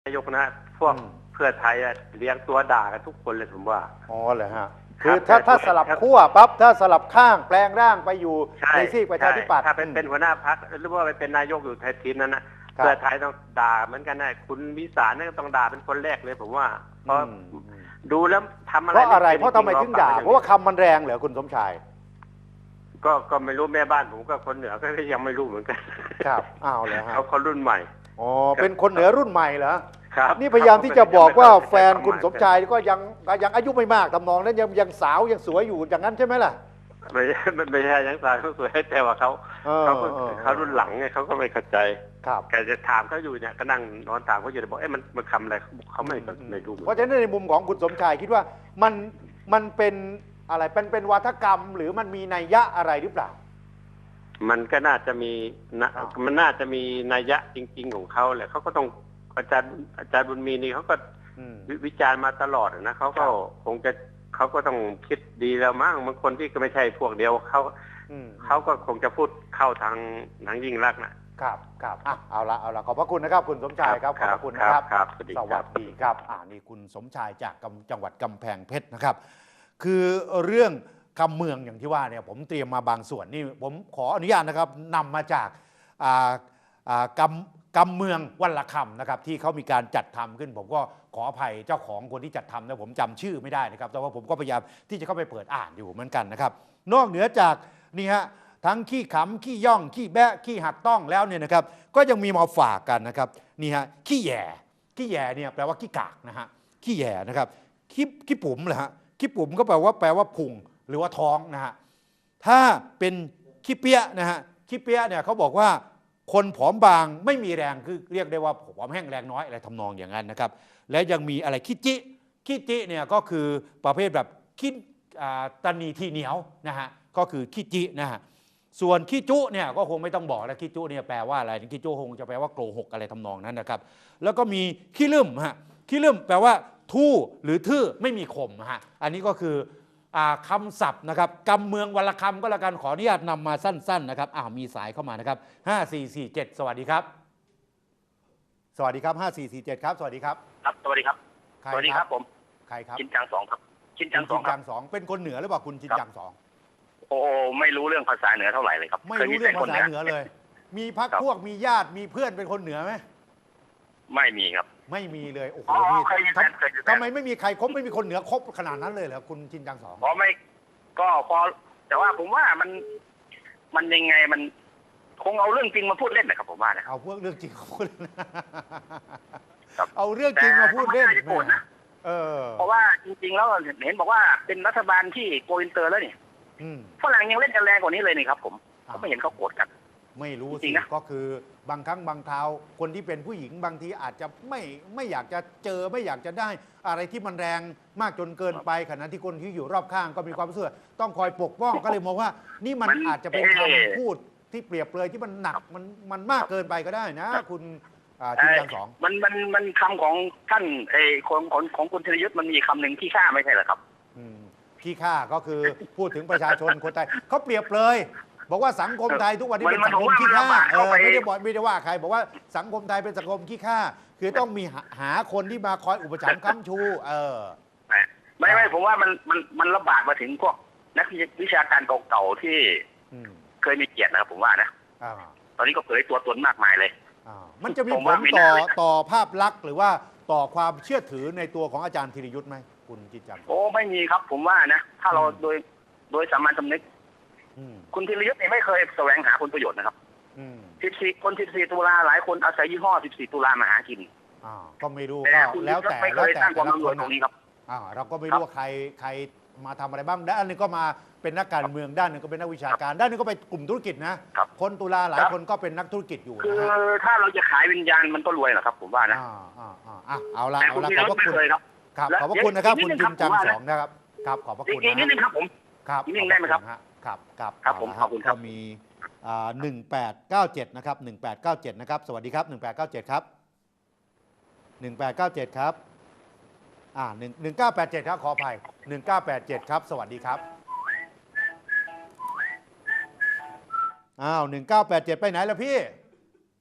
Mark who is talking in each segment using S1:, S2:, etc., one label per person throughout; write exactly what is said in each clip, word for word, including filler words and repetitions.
S1: นายกนะพวกเพื่อไทยเลี้ยงตัวด่ากันทุกคนเลยผมว่า
S2: อ๋อเหรอฮะคือถ้าถ้าสลับขั้วปั๊บถ้าสลับข้างแปลงร่างไปอยู่ในซีกประชาธิปัตย์
S1: ถ้าเป็นเป็นหัวหน้าพรรคหรือว่าไปเป็นนายกอยู่ไทยทีมนั้นนะเพื่อไทยต้องด่าเหมือนกันนะคุณวิสารนี่ต้องด่าเป็นคนแรกเลยผมว่าเพราะดูแล้วทำอะไร
S2: เพราะอะไรเพราะทำไมถึงด่าเพราะว่าคำมันแรงเหรอคุณสมชาย
S1: ก็ก็ไม่รู้แม่บ้านผมก็คนเหนือก็ยังไม่รู้เหมือนกัน
S2: ครับอ้าวเลยฮะ
S1: เขาคนรุ่นใหม่
S2: อ๋อเป็นคนเหนือรุ่นใหม่เหรอ
S1: ครับ
S2: นี่พยายามที่จะบอกว่าแฟนคุณสมชายก็ยังยังอายุไม่มากทำนองนั้นยังยังสาวยังสวยอยู่อย่างนั้นใช่ไหมล่ะ
S1: ไม่ไม่ใช่ยังสาวเขาสวยแต่ว่าเขาเขาเขารุ่นหลังไงเขาก็ไม่เข้าใจ
S2: ครับ
S1: แกจะถามเขาอยู่เนี่ยก็นั่งนอนถามเขาอยู่บอกเอ๊ะมันมันคำอะไรเขาไม่ไม่รู้
S2: เพราะฉะนั้นในมุมของคุณสมชายคิดว่ามันมันเป็นอะไรเป็นเป็นวาทกรรมหรือมันมีนัยยะอะไรหรือเปล่า
S1: มันก็น่าจะมีนะมันน่าจะมีนัยยะจริงๆของเขาแหละเขาก็ต้องอาจารย์อาจารย์บุญมีนี่เขาก็วิจารณ์มาตลอดนะเขาก็คงจะเขาก็ต้องคิดดีแล้วมั้งบางคนที่ก็ไม่ใช่พวกเดียวเขาเขาก็คงจะพูดเข้าทางทางยิ่งรักนะครับ
S2: ครับอ่ะเอาละเอาละขอบพระคุณนะครับคุณสมชายครับขอบพระคุณนะครับ
S1: ครับสวัสดี
S2: ครับอ่านี่คุณสมชายจากจังหวัดกำแพงเพชรนะครับคือเรื่องคำเมืองอย่างที่ว่าเนี่ยผมเตรียมมาบางส่วนนี่ผมขออนุญาตนะครับนำมาจากอ่าอ่ากำกำเมืองวันละคำนะครับที่เขามีการจัดทำขึ้นผมก็ขออภัยเจ้าของคนที่จัดทำนะผมจำชื่อไม่ได้นะครับแต่ว่าผมก็พยายามที่จะเข้าไปเปิดอ่านอยู่เหมือนกันนะครับนอกเหนือจากนี่ฮะทั้งขี้ขำขี้ย่องขี้แบะขี้หักต้องแล้วเนี่ยนะครับก็ยังมีมาฝากกันนะครับนี่ฮะขี้แย่ขี้แย่เนี่ยแปลว่าขี้กากนะฮะขี้แย่นะครับขี้ขี้ปุ๋มเหรอฮะขี้ปุ๋มก็แปลว่าแปลว่าพุงหรือว่าท้องนะฮะถ้าเป็นขี้เปี้ยนะฮะขี้เปี้ยเนี่ยเขาบอกว่าคนผอมบางไม่มีแรงคือเรียกได้ว่าผอมแห้งแรงน้อยอะไรทำนองอย่างนั้นนะครับและยังมีอะไรขี้จิขี้จิเนี่ยก็คือประเภทแบบขี้ตนีทีเหนียวนะฮะก็คือขี้จินะฮะส่วนขี้จุเนี่ยก็คงไม่ต้องบอกแล้วขี้จุเนี่ยแปลว่าอะไรขี้จุคงจะแปลว่าโกหกอะไรทำนองนั้นนะครับแล้วก็มีขี้ลืมฮะขี้ลืมแปลว่าทู่หรือทื่อไม่มีคมฮะอันนี้ก็คือคำศัพท์นะครับกำเมืองวรรณคำก็แล้วกันขออนุญาตนำมาสั้นๆนะครับอ้าวมีสายเข้ามานะครับห้าสี่สี่เจ็ดสวัสดีครับสวัสดีครับห้าสี่สี่เจ็ดครับสวัสดีครับ
S3: ครับสวัสดีครับสวัสดีครับผม
S2: ใครครับ
S3: ชินจังสองครับชินจังสองครับ
S2: สองเป็นคนเหนือหรือเปล่าคุณชินจังสอง
S3: โอ้ไม่รู้เรื่องภาษาเหนือเท่าไหร่เลยครับ
S2: ไม่รู้เรื่องภาษาเหนือเลยมีพักพวกมีญาติมีเพื่อนเป็นคนเหนือไหม
S3: ไม่มีครับ
S2: ไม่มีเลยโอ้โหทำไมไม่มีใครคบไม่มีคนเหนือคบขนาดนั้นเลยเหรอคุณชินจังสอง
S3: เพราะไม่ก็พอแต่ว่าผมว่ามันมันยังไงมันคงเอาเรื่องจริงมาพูดเล่นนะครับผมว่านะ
S2: เอาพวกเรื่องจริงมาพูดเอาเรื่องจริงมาพูดเล่น
S3: นะเออเพราะว่าจริงๆแล้วเห็นบอกว่าเป็นรัฐบาลที่โกอินเตอร์แล้วนี่ฝรั่งยังเล่นกันแรงกว่านี้เลยนี่ครับผมก็ไม่เห็นเขาโกรธกัน
S2: ไม่รู้สิก็คือบางครั้งบางคราวคนที่เป็นผู้หญิงบางทีอาจจะไม่ไม่อยากจะเจอไม่อยากจะได้อะไรที่มันแรงมากจนเกินไปขณะที่คนที่อยู่รอบข้างก็มีความรู้สึกต้องคอยปกป้องก็เลยมองว่านี่มันอาจจะเป็นคำพูดที่เปรียบเลยที่มันหนักมันมันมากเกินไปก็ได้นะคุณชินจังสอง
S3: มันมันมันคำของท่านไอ้ของของของคุณธีรยุทธ์มันมีคำหนึ่งที่ฆ่าไม่ใช่เหรอครับ
S2: ขี้ข้าก็คือพูดถึงประชาชนคนไทยเขาเปรียบเลยบอกว่าสังคมไทยทุกวันนี้เป็นสังคมขี้ข้าเออไม่ได้บอกไม่ได้ว่าใครบอกว่าสังคมไทยเป็นสังคมขี้ข้าคือต้องมีหาคนที่มาคอยอุปถัมภ์ค้ำชูเออ
S3: ไม่ไม่ผมว่ามันมันมันระบาดมาถึงพวกนักวิชาการเก่าๆที่เคยมีเกียรตินะครับผมว่านะตอนนี้ก็เผยตัวตนมากมายเลย
S2: มันจะมีผลต่อต่อภาพลักษณ์หรือว่าต่อความเชื่อถือในตัวของอาจารย์ธีรยุทธ์ไหมคุณจิตจัง
S3: โอ้ไม่มีครับผมว่านะถ้าเราโดยโดยสามัญสำนึกคุณธีรยุทธ์นี่ไม่เคยแสวงหาผลประโยชน์นะครับสิบสี่คนสิบสี่ตุลาหลายคนอาศัยยี่ห้อสิบสี่ตุลามาหากิน
S2: ก็ไม่รู้ก็แล้วแต่แล้วแต่แต่ละคนตรงนี้ครับเราก็ไม่รู้ว่าใครใครมาทำอะไรบ้างด้านนึงก็มาเป็นนักการเมืองด้านนึงก็เป็นนักวิชาการด้านนึงก็ไปกลุ่มธุรกิจนะคนตุลาหลายคนก็เป็นนักธุรกิจอยู่
S3: คือถ้าเราจะขายวิญญาณมันก็รวยเหรอครับผมว่านะ
S2: เอาละเอาละขอบพระคุณครับขอบพระคุณนะครับคุณจินจังสองนะครับครับขอบพระคุณ
S3: อีกนิดนึงครับผม
S2: ครับ
S3: นิดนึงได้ไหมครับ
S2: ครับครับ
S3: ครับผมขอบคุณครับ
S2: มีหนึ่งแปดเก้าเจ็ดนะครับหนึ่งแปดเก้าเจ็ดนะครับสวัสดีครับหนึ่งแปดเก้าเจ็ดครับหนึ่งแปดเก้าเจ็ดครับอ่าหนึ่งหนึ่งเก้าแปดเจ็ดครับขออภัยหนึ่งเก้าแปดเจ็ดครับสวัสดีครับอ้าวหนึ่งเก้าแปดเจ็ดไปไหนล่ะพี่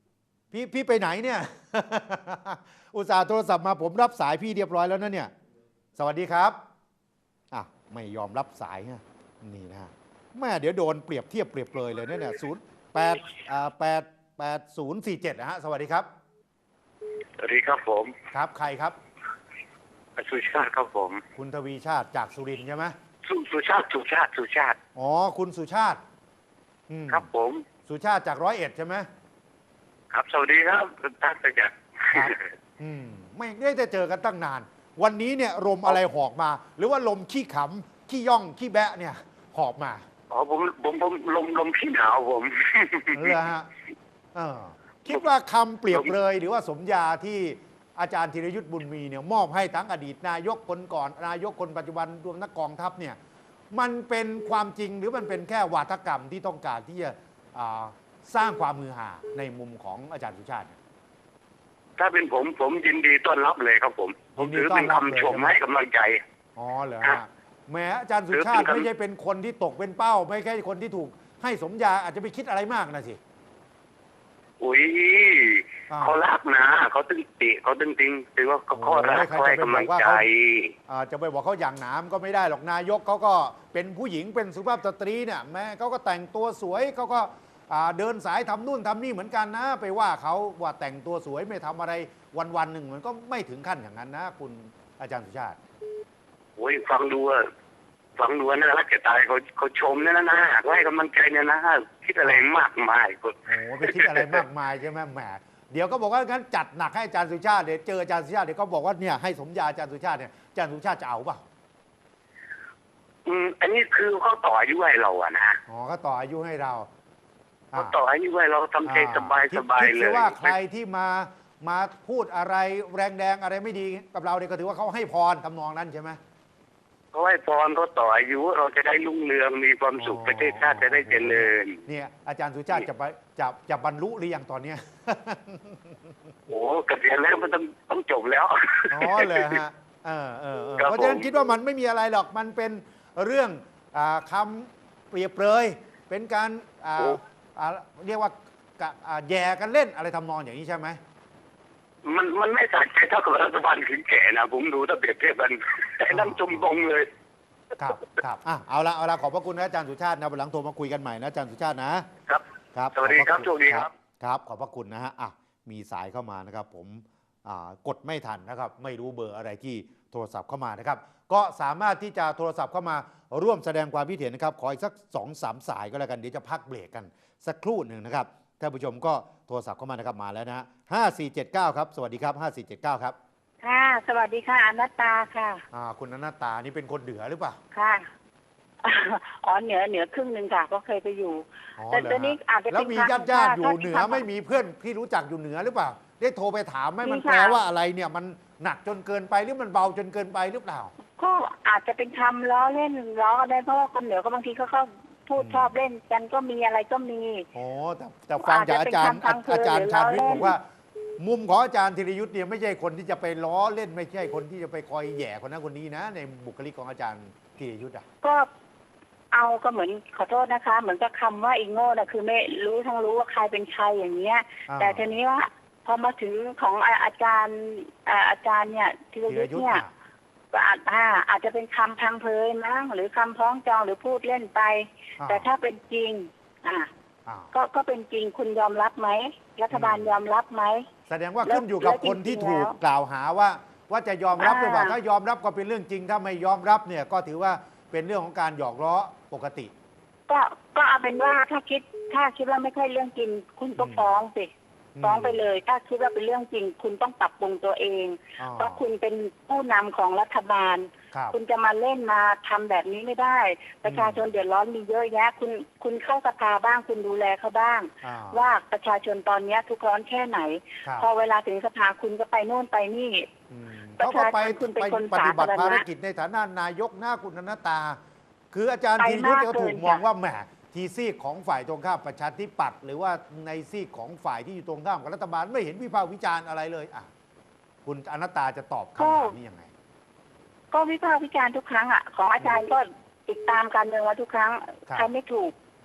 S2: พี่พี่ไปไหนเนี่ย อุตส่าห์โทรศัพท์มาผมรับสายพี่เรียบร้อยแล้วนะเนี่ยสวัสดีครับอ่ะไม่ยอมรับสายฮะนี่นะฮะแม่เดี๋ยวโดนเปรียบเทียบเปรียบเปรยเลยนะเนี่ยศูนย์แปดอ่าแปดแปดศูนย์สี่เจ็ดนะฮะสวัสดีครับ
S4: สวัสดีครับผม
S2: ครับใครครับ
S4: สุชาติครับผม
S2: คุณทวีชาติจากสุรินทร์ใช่ไหม
S4: สุสุชาติสุชาติสุชาติ
S2: อ๋อคุณสุชาติอืม
S4: ครับผม
S2: สุชาติจากร้อยเอ็ดใช่ไหม
S4: ครับสวัสดีครับท่านประจักษ์
S2: ครับอืมไม่ได้จะเจอกันตั้งนาน วันนี้เนี่ยลมอะไรหอกมา หรือว่าลมขี้ขำขี้ย่องขี้แบะเนี่ยหอบมา
S4: อ๋อผมผมผมลมลมขี้หนาวผม
S2: เหรอฮะเออคิดว่าคำเปรียบเลยหรือว่าสมญาที่อาจารย์ธีรยุทธ์บุญมีเนี่ยมอบให้ทั้งอดีตนายกคนก่อนนายกคนปัจจุบันรวมนักกองทัพเนี่ยมันเป็นความจริงหรือมันเป็นแค่วาทกรรมที่ต้องการที่จะอ่าสร้างความมือหาในมุมของอาจารย์สุชาติเนี่ย
S4: ถ้าเป็นผมผมยินดีต้อนรับเลยครับผม ผมถือเป็นคำชมให้กำลังใจ
S2: อ๋อเหรอฮะแหมอาจารย์สุชาติไม่ใช่เป็นคนที่ตกเป็นเป้า ไม่ใช่คนที่ถูกให้สมญาอาจจะไปคิดอะไรมากนะสิ
S4: อุ้ย
S2: อ่า
S4: เขารักนะเขาตึงติเขาตึงติงถือว่าเขาข้อรัก
S2: โอ้ยใคร
S4: เขาให้
S2: จะไป
S4: กำลัง
S2: บอกว่า
S4: ใจ
S2: เขา อ่าจะไปบอกเขาอย่างหนามก็ไม่ได้หรอกนายกเขาก็เป็นผู้หญิงเป็นสุภาพสตรีเนี่ยแม้เขาก็แต่งตัวสวยเขาก็อ่าเดินสายทำนู่นทำนี่เหมือนกันนะ ไปว่าเขาว่าแต่งตัวสวยไม่ทำอะไรวันวันๆหนึ่งมันก็ไม่ถึงขั้นอย่างนั้นนะ คุณอาจารย์สุชาติ
S4: โอ้ยฟังดูอะฟังดูน่ารักจะตายเขาเขาชมเนี่ยนะนะเขาให้กำลังใจเนี่ยนะคิดอะไรมากมายก็
S2: โอ้โหไปคิดอะไรมากมายใช่ไหมแหมเดี๋ยวก็บอกว่างั้นจัดหนักให้อาจารย์สุชาติเดี๋ยวเจออาจารย์สุชาติเดี๋ยวก็บอกว่าเนี่ยให้สมญาอาจารย์สุชาติเนี่ยอาจารย์สุชาติจะเอาเปล่า
S4: อืมอันนี้คือเขาต่ออายุให้เราอะนะ
S2: อ๋อก็ต่ออายุให้เรา
S4: เขาต่ออายุให้เราทำใจสบาย
S2: คิ
S4: ส
S2: ด
S4: บาย
S2: คิด
S4: เล
S2: ซิ
S4: ย
S2: ว่าใครที่มามาพูดอะไรแรงแดงอะไรไม่ดีกับเราเนี่ยก็ถือว่าเขาให้พรทำนองนั้นใช่ไหม
S4: เขาให้พรเขาต่ออายุเราจะได้รุ่งเรืองมีความสุข
S2: อ๋อ
S4: ประเทศชาติจะได้เจริญ
S2: เนี่ยอาจารย์สุชาติจะไปจะจะบรรลุหรือยังตอนเนี้ย
S4: โอ้เกษียณแล้วมันต้องต้องจบแล้ว
S2: อ๋อเลยฮะเออเออเออ
S4: ครับ
S2: เพราะฉะนั้น
S4: ผม
S2: คิดว่ามันไม่มีอะไรหรอกมันเป็นเรื่องอ่าคำเปรียบเปรยเป็นการอ่าอ่าเรียกว่ากะอ่าแย่กันเล่นอะไรทำนองอย่างนี้ใช่ไหม
S4: มันมันไม่สะใจเท่ากับรัฐบาลขืนแก่นะผมดูถ้าเปรียบเทียบกันแต่นั่งจมตรงเลย
S2: ครับครับอ่ะเอาละเอาละขอบพระคุณนะอาจารย์สุชาตินะวันหลังโทรมาคุยกันใหม่นะอาจารย์สุชาตินะครับ ครับ
S4: สวัสดีครับ
S2: ขอพะณ
S4: โชคดีครับ
S2: ครับขอบพระคุณนะฮะอ่ะมีสายเข้ามานะครับผมอ่ากดไม่ทันนะครับไม่รู้เบอร์อะไรที่โทรศัพท์เข้ามานะครับก็สามารถที่จะโทรศัพท์เข้ามาร่วมแสดงความคิดเห็นนะครับขออีกสักสองสามสายก็แล้วกันเดี๋ยวจะพักเบรกกันสักครู่หนึ่งนะครับท่านผู้ชมก็โทรศัพท์เข้ามานะครับมาแล้วนะฮะห้าสี่เจ็ดเก้าครับสวัสดีครับห้าสี่เจ็ดเก้าครับ
S5: ค่ะ สวัสดีค่ะอนัตตาค่ะ
S2: อ่าคุณอนัตตานี่เป็นคนเหนือหรือเปล่า
S5: ค่ะ อ๋อเหนือเหนือครึ่งหนึ่งค่ะ ก็เคยไปอยู่
S2: อ๋อ
S5: แต่
S2: เหรอ
S5: ตอนนี้
S2: ฮะ
S5: อาจจะ
S2: แล้ว
S5: เป็น
S2: มี
S5: ครั้ง
S2: ญาติญาติๆอยู่
S5: ถ้า
S2: เหนือ
S5: ที่
S2: ไม่มีเพื่อนที่รู้จักอยู่เหนือหรือเปล่า ได้โทรไปถามไหม
S5: มี
S2: มัน
S5: ค่ะ
S2: แปลว่าอะไรเนี่ยมันหนักจนเกินไปหรือมันเบาจนเกินไปหรือเปล่า
S5: ก็อาจจะเป็นคำล้อเล่นล้อได้เพราะว่าคนเหนือก็บางทีเขาก็พูด
S2: อืม
S5: ชอบเล่นกันก็มีอะไรก็มี
S2: โอ้แต่แต่ฟังจากอาจารย์
S5: อาจจะเป็นคำพังเพย
S2: อาจารย์
S5: หรือ
S2: ชาญวิทย์
S5: ล้อเล่น
S2: บอกว่า มุมของอาจารย์ธีรยุทธ์เนี่ยไม่ใช่คนที่จะไปล้อเล่นไม่ใช่คนที่จะไปคอยแหย่คนนั้นคนนี้นะ ในบุคลิกของอาจารย์ธีรยุทธ์อ่ะ
S5: ก็เอาก็เหมือนขอโทษนะคะ เหมือนกับคำว่าอีโง่นะคือไม่รู้ทั้งรู้ว่าใครเป็นใครอย่างเงี้ย
S2: อ่า
S5: แต่ทีนี้ว่าพอมาถึงของอาอาจารย์อ่าอาจารย์เนี่ยธีร
S2: ธีร
S5: ยุทธ์
S2: ยุทธ์
S5: เนี่ย
S2: อ่ะ
S5: ก็อาจอ่าอาจจะเป็นคำพังเพยมั้งหรือคำพ้องจองหรือพูดเล่นไป
S2: อ่า
S5: แต่ถ้าเป็นจริง อ่า
S2: อ่า
S5: ก็ก็เป็นจริงคุณยอมรับไหมรัฐบาล
S2: อืม
S5: ยอมรับไหม
S2: แสดงว่าขึ้นอยู่กับ
S5: แล้ว
S2: คนที่
S5: จริงๆ
S2: ถูก
S5: แล้ว
S2: กล่าวหาว่า ว่าจะยอมรับหรือเปล่า
S5: อ่า
S2: ถ้ายอมรับก็เป็นเรื่องจริง ถ้าไม่ยอมรับเนี่ยก็ถือว่าเป็นเรื่องของการหยอกล้อปกติ
S5: ก็ก็เอาเป็นว่าถ้าคิดถ้าคิดว่าไม่ใช่เรื่องจริง คุณก็
S2: อืม
S5: ฟ้องสิ
S2: อืม
S5: ฟ้องไปเลย ถ้าคิดว่าเป็นเรื่องจริง คุณต้องปรับปรุงตัวเอง
S2: อ๋อ
S5: เพราะคุณเป็นผู้นำของรัฐบาล
S2: ครับ
S5: คุณจะมาเล่นมาทำแบบนี้ไม่ได้ ประชาชนเดือดร้อนมีเยอะแยะ คุณคุณเข้าสภาบ้าง คุณดูแลเขาบ้าง
S2: อ่า
S5: ว่าประชาชนตอนนี้ทุกข์ร้อนแค่ไหน
S2: ครับ
S5: พอเวลาถึงสภาคุณก็ไปโน่นไปนี่
S2: อืม
S5: ประ
S2: เขาก็ไป
S5: ชาชนคุณเป็น
S2: ไป
S5: คน
S2: ปฏิบัติ
S5: สาธารณะ
S2: ภารกิจในฐานะนายกหน้าคุณอนัตตา คืออาจารย์
S5: ไป
S2: ธีรยุทธ์
S5: มาก
S2: ก็ถูก
S5: เกิน
S2: มอง
S5: ค่ะ
S2: ว่าแหมทีซีกของฝ่ายตรงข้ามประชาธิปัตย์หรือว่าในซีกของฝ่ายที่อยู่ตรงข้ามกับรัฐบาลไม่เห็นวิพากษ์วิจารณ์อะไรเลยอ่ะคุณอนัตตาจะตอบคำถามนี้ยังไง
S5: ก็วิพากษ์วิจารณ์ทุกครั้งอ่ะของอาจารย์ก็ติดตามการเมืองมาทุกครั้ง
S2: ครับ
S5: ใครไม่ถูก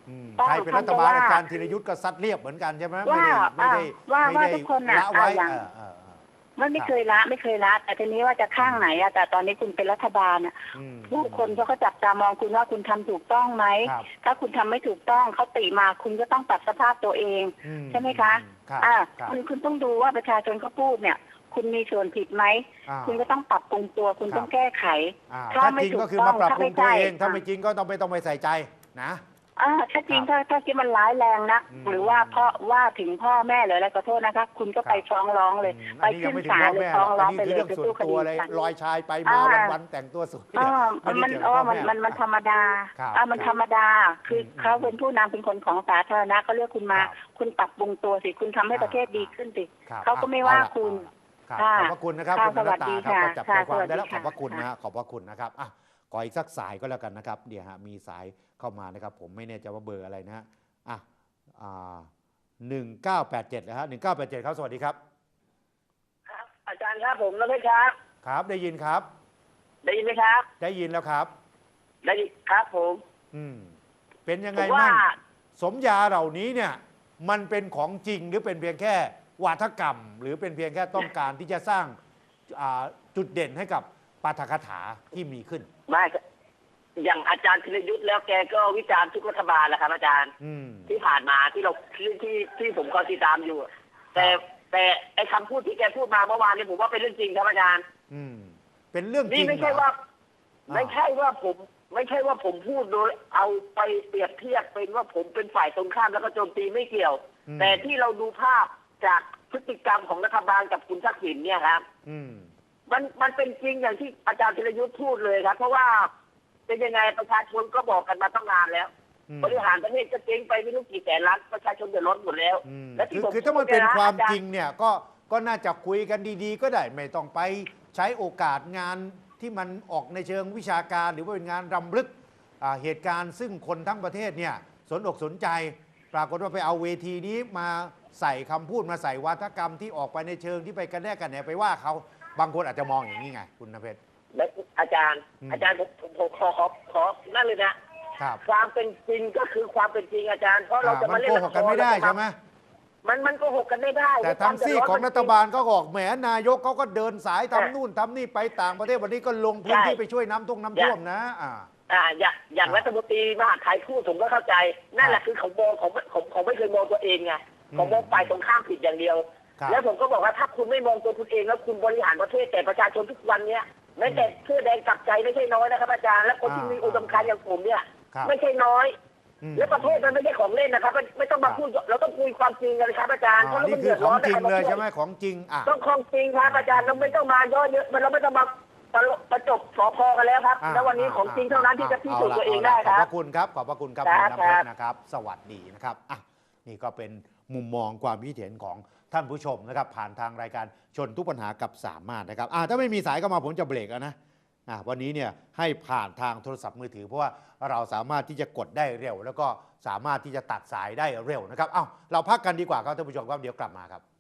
S2: อืม
S5: ต้อง
S2: ใครเป็นรัฐบาล
S5: ท่านจะว่า
S2: อาจารย์ธีรยุทธ์ก็ซัดเรียบเหมือนกันใช่ไหมไม่
S5: ว่า
S2: ได้ไม่ได้
S5: ว่า
S2: ไม่
S5: ว่า
S2: ได้
S5: ทุกคนน่ะ
S2: ละไว้
S5: อ่ะอย่าง
S2: เออเออเออ
S5: ไม่ไม่เคยละไม่เคยละแต่ทีนี้ว่าจะข้างไหนอะแต่ตอนนี้คุณเป็นรัฐบาลอะ
S2: อืม
S5: ผู้คนเขาก็จับตามองคุณว่าคุณทำถูกต้องไหม
S2: ครับ
S5: ถ้าคุณทำไม่ถูกต้องเขาติมาคุณก็ต้องปรับสภาพตัวเอง
S2: อื
S5: ใช่ไหมคะ
S2: ครับ
S5: อ่า
S2: ครับ
S5: คุณคุณต้องดูว่าประชาชนเขาพูดเนี่ย คุณมีส่วนผิดไหม
S2: อ่า
S5: คุณก็ต้องปรับปรุงตัวคุณ
S2: ครับ
S5: ต้องแก้ไข
S2: อ่า
S5: ถ้า
S2: ถ้า
S5: ไม่
S2: จริง
S5: ถูก
S2: ก็คือมาปรับปรุงตัวเอง
S5: ต้อง
S2: ถ้า
S5: ถ้าไม่
S2: ไม่
S5: ใช่
S2: จริงก็ต้องไม่ต้องไปใส่ใจนะ
S5: อ่าถ้าจริง
S2: ครับ
S5: ถ้าถ้าคิดมันร้ายแรงนะ
S2: อืม
S5: หรือว่าพ่อว่าถึงพ่อแม่หรืออะไรก็โทษนะคะ คุณก็
S2: ครับ
S5: ไปฟ้องร้องเลย
S2: อืม
S5: ไป
S2: อันนี้ยั
S5: ขึ้
S2: ง
S5: น
S2: ไม่ถึง
S5: ศา
S2: พ่
S5: ล
S2: อ
S5: เลย
S2: แม่หร
S5: ฟ้
S2: อ
S5: อก ง
S2: อัน
S5: ร้อง
S2: นี้
S5: ไป
S2: คือ
S5: เล
S2: เรื่
S5: ย
S2: อง
S5: ไป
S2: ส่วน
S5: สู้ค
S2: ตัว
S5: ดี
S2: อะไร
S5: กัน
S2: ลอยชายไปมาวัน
S5: อ่า
S2: แต่งตัวสวย
S5: มัน
S2: ไได้
S5: อ๋อ
S2: เกี่ยวกับ
S5: มัน
S2: พ่อแ
S5: มันมันธรรมดา
S2: ครับ
S5: อ่ามัน
S2: ครับ
S5: ธรรมดา คือ
S2: อืม
S5: เขาเป็นผู้นำเป็นคนของสาธารณะเขาเลือกคุณมา
S2: ครับ
S5: คุณปรับปรุงตัวสิคุณทำให้
S2: อ่า
S5: ประเทศดีขึ้นสิ
S2: ครับ
S5: เขาก็
S2: อ่ะ
S5: ไม่ว่า
S2: เอละ
S5: คุณ
S2: ครับ
S5: ค่ะ
S2: ขอบพระคุณนะครับ
S5: ค่ะ
S2: คุณนรตา
S5: สวัสดี
S2: ครับ
S5: ค่ะ
S2: ก็จับใจ
S5: ค่ะ
S2: ความ
S5: สวัส
S2: ได้
S5: ดี
S2: แล้วขอบพระ
S5: ค่ะ
S2: คุณนะ
S5: ค่ะ
S2: ฮะขอบพระคุณนะครับอ่ะขออีกสักสายก็แล้วกันนะครับเดี๋ยวฮะมีสายเข้ามานะครับผมไม่แน่ใจว่าเบอร์อะไรนะฮะอ่ะอ่าหนึ่งเก้าแปดเจ็ดนะฮะหนึ่งเก้าแปดเจ็ดครับสวัสดีครับ
S3: ครับอาจารย์ครับผมแล้วไหมครับ
S2: ครับได้ยินครับ
S3: ได้ยินไหมครับ
S2: ได้ยินแล้วครับ
S3: ได้ยินครับผม
S2: อืมเป็นยัง
S3: ผ
S2: ไง
S3: มว่า
S2: บ้างสมยาเหล่านี้เนี่ยมันเป็นของจริงหรือเป็นเพียงแค่วาทกรรม หรือเป็นเพียงแค่ต้องการที่จะสร้างอ่าจุดเด่นให้กับปาฐกถาที่มีขึ้น
S3: ไม่อย่างอาจารย์ธีรยุทธ์แล้วแกก็วิจารณ์ทุกรัฐบาลแหละครับอาจารย์
S2: อืม
S3: ที่ผ่านมาที่เราที่ที่ที่ผมก็ติดตามอยู่ แต่แต่ไอ้คำพูดที่แกพูดมาเมื่อวานนี้ผมว่าเป็นเรื่องจริงครับอาจารย์
S2: อืมเป็นเรื่องจริ
S3: นี่
S2: ง
S3: ไม่ใช่
S2: เหรอ
S3: ว่า
S2: อ่า
S3: ไม่ใช่ว่าผม ไม่ใช่ว่าผมพูดโดยเอาไปเปรียบเทียบเป็นว่าผมเป็นฝ่ายตรงข้ามแล้วก็โจมตีไม่เกี่ยว
S2: อืม
S3: แต่ที่เราดูภาพจากพฤติกรรมของรัฐบาลกับคุณทักษิณเนี่ยครับ
S2: อืม
S3: มันมันเป็นจริงอย่างที่อาจารย์ธีรยุทธ์พูดเลยครับ เพราะว่าเป็นยังไงประชาชนก็บอกกันมาตั้งนานแล้ว
S2: อืม
S3: บริหารประเทศก็เจ๊งไปไม่รู้กี่แสนล้านประชาชนเดือดร้อนหมดแล้ว
S2: อืม
S3: และที่
S2: คือ
S3: ผม
S2: คือถ้ามัน
S3: พูด
S2: เป็น
S3: ยะ
S2: ความ
S3: อจ
S2: จริงเนี่ยก็ก็น่าจะคุยกันดีๆ ก็ได้ไม่ต้องไปใช้โอกาสงานที่มันออกในเชิงวิชาการ หรือว่าเป็นงานรำลึกอ่าเหตุการณ์ซึ่งคนทั้งประเทศเนี่ยสนอกสนใจ ปรากฏว่าไปเอาเวทีนี้มาใส่คำพูดมาใส่วาทกรรมที่ออกไปในเชิงที่ไปกันแน่กันเนี่ยไปว่าเขาบางคนอาจจะมองอย่างนี้ไงคุณนเพชร
S3: และอาจารย์
S2: อืม
S3: อาจารย์ผมผมผมขอขอขอนั่นเลยนะครับ ความเป็นจริงก็คือความเป็นจริงอาจารย์เพราะเรา
S2: อ่า
S3: จะ
S2: มั
S3: มาน เล่
S2: โก
S3: น
S2: หกกันไม่ได้ใช่ไหม
S3: มันมันโกหกกันไม่ได้
S2: แต่ทางซีกของรัฐบาลก็บอกแหมนายกเขาก็เดินสายทำนู่นทำนี่ไปต่างประเทศวันนี้ก็ลงพื้นที่ไปช่วยน้ำท่วมน้ำท่วมนะอ่า
S3: อ่าอย่างอย่าง
S2: อ่า
S3: รัฐมนตรีมหาดไทยพูดผมก็เข้าใจ นั่นแหละคือเขามองของของของไม่เคยมองตัวเองไง
S2: อืม
S3: เขามองฝ่ายตรงข้ามผิดอย่างเดียว
S2: ครับ
S3: แล้วผมก็บอกว่าถ้าคุณไม่มองตัวคุณเองแล้วคุณบริหารประเทศแต่ประชาชนทุกวันเนี้ยแม้แต่เสื้อแดงกลับใจไม่ใช่น้อยนะครับอาจารย์และคนที่
S2: อ่ามี
S3: มีอุดมการณ์อย่างผมเนี่ย
S2: ครับ
S3: ไม่ใช่น้อย
S2: อืม
S3: และประเทศมันไม่ใช่ของเล่นนะครับไม่ไม่ต้องมาพูดเราต้องคุยความจริงกันครับอาจารย์
S2: อ๋
S3: เพ
S2: อ
S3: ราะเรา
S2: นี่
S3: มัน
S2: คื
S3: เดื
S2: อ
S3: อด
S2: ข
S3: ร้
S2: อ
S3: อง น
S2: จริง
S3: นะครับ
S2: เลยใช่ไหมของจริงอ่ะ
S3: ต้องของจริงครับอาจารย์เราไม่ต้องมาย่อเยอะมันเราไม่ต้องมาตลกประจบสอพอกันแล้วครับ
S2: อ่า
S3: แล้ววันนี้ของจริงเท่านั้นที่จะพิสูจน์ตัวเองได้
S2: ข
S3: ค
S2: อบ
S3: รั
S2: พ
S3: บ
S2: ระคุณครับขอบพระคุณครับ
S3: ค
S2: คุ
S3: รั
S2: ณ
S3: บ
S2: น้ำเพช
S3: ครั
S2: ร
S3: บ
S2: นะครับ สวัสดีนะครับอ่ะนี่ก็เป็นมุมมองความคิดเห็นของท่านผู้ชมนะครับผ่านทางรายการชนทุกปัญหากับสามารถนะครับอ่ะถ้าไม่มีสายก็มาผมจะเบรกแล้วนะอ่ะวันนี้เนี่ยให้ผ่านทางโทรศัพท์มือถือเพราะว่าเราสามารถที่จะกดได้เร็ว แล้วก็สามารถที่จะตัดสายได้เร็วนะครับเอ้าเราพักกันดีกว่าครับท่านผู้ชมครับเดี๋ยวกลับมาครับ